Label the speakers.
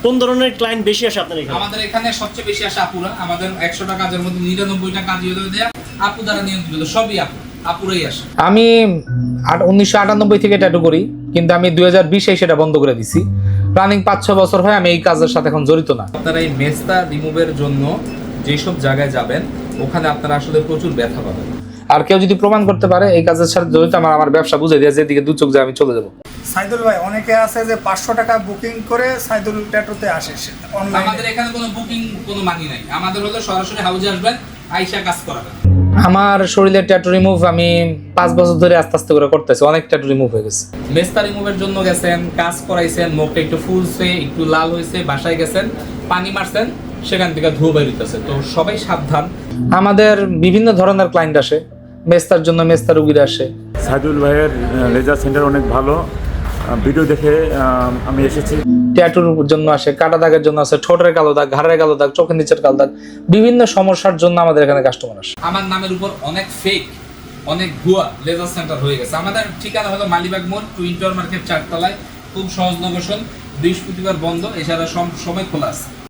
Speaker 1: কোন ধরনের ক্লায়েন্ট বেশি আসে আপনার এখানে?
Speaker 2: আমাদের এখানে সবচেয়ে বেশি আসে আপুরা। আমাদের 100টা কাজের মধ্যে 99টা কাজ হয়ে দেয়া আপু দ্বারা নিয়ন্ত্রিত, সবই আপুরাই আসে।
Speaker 3: আমি 1998 থেকে ট্যাটু করি, কিন্তু আমি 2020-এ সেটা বন্ধ করে দিছি। রানিং 5-6 বছর হয় আমি এই কাজের সাথে এখন জড়িত না।
Speaker 2: আপনারা এই মেস্তা রিমুভের জন্য যেসব জায়গায় যাবেন ওখানে আপনারা আসলে প্রচুর ব্যথা পাবেন।
Speaker 3: আর কেউ যদি প্রমাণ করতে পারে এই কাজের সাথে জড়িত, আমার ব্যবসা বুঝে দিয়ে যেদিকে দু চোখ যায় আমি চলে যাবো।
Speaker 4: সাইদুল ভাই, অনেকে আছে যে 500 টাকা বুকিং করে সাইদুল ট্যাটুতে আসে অনলাইনে।
Speaker 2: আমাদের এখানে কোনো বুকিং কোনো মানি নাই। আমাদের হলো সরাসরি হাউজে আসবেন, আইসা কাজ করাবেন।
Speaker 3: আমার শরীরের ট্যাটু রিমুভ আমি 5 বছর ধরে আস্তে আস্তে করে করতেছি, অনেক ট্যাটু রিমুভ হয়ে গেছে।
Speaker 2: মেস্তা রিমুভের জন্য গেছেন, কাজ করাইছেন, মুখটা একটু ফুলছে, একটু লাল হয়েছে, বাসায় গেছেন, পানি মারছেন, সেখান থেকে ধুয়ে বেরোতেছে। তো সবাই সাবধান।
Speaker 3: আমাদের বিভিন্ন ধরনের ক্লায়েন্ট আসে, মেস্তার জন্য মেস্তা রুগীরা আসে।
Speaker 5: সাইদুল ভাইয়ের লেজার সেন্টার অনেক ভালো, ভিডিও দেখে আমি এসেছি।
Speaker 3: ট্যাটুর জন্য আসে, কাটা দাগের জন্য আসে, ঠোঁটের কালো দাগ, ঘাড়ের কালো দাগ, চোখের নিচের কালো দাগ, বিভিন্ন সমস্যার জন্য আমাদের এখানে কাস্টমার আসে।
Speaker 2: আমার নামের উপর অনেক ফেক, অনেক ভুয়া লেজার সেন্টার হয়ে গেছে। আমাদের ঠিকানা হলো মালিবাগ মোড়, টুইন টাওয়ার মার্কেট 4 তলায়। খুব সহজ লোকেশন, বৃহস্পতিবার বন্ধ, এছাড়া সময় খোলা আছে।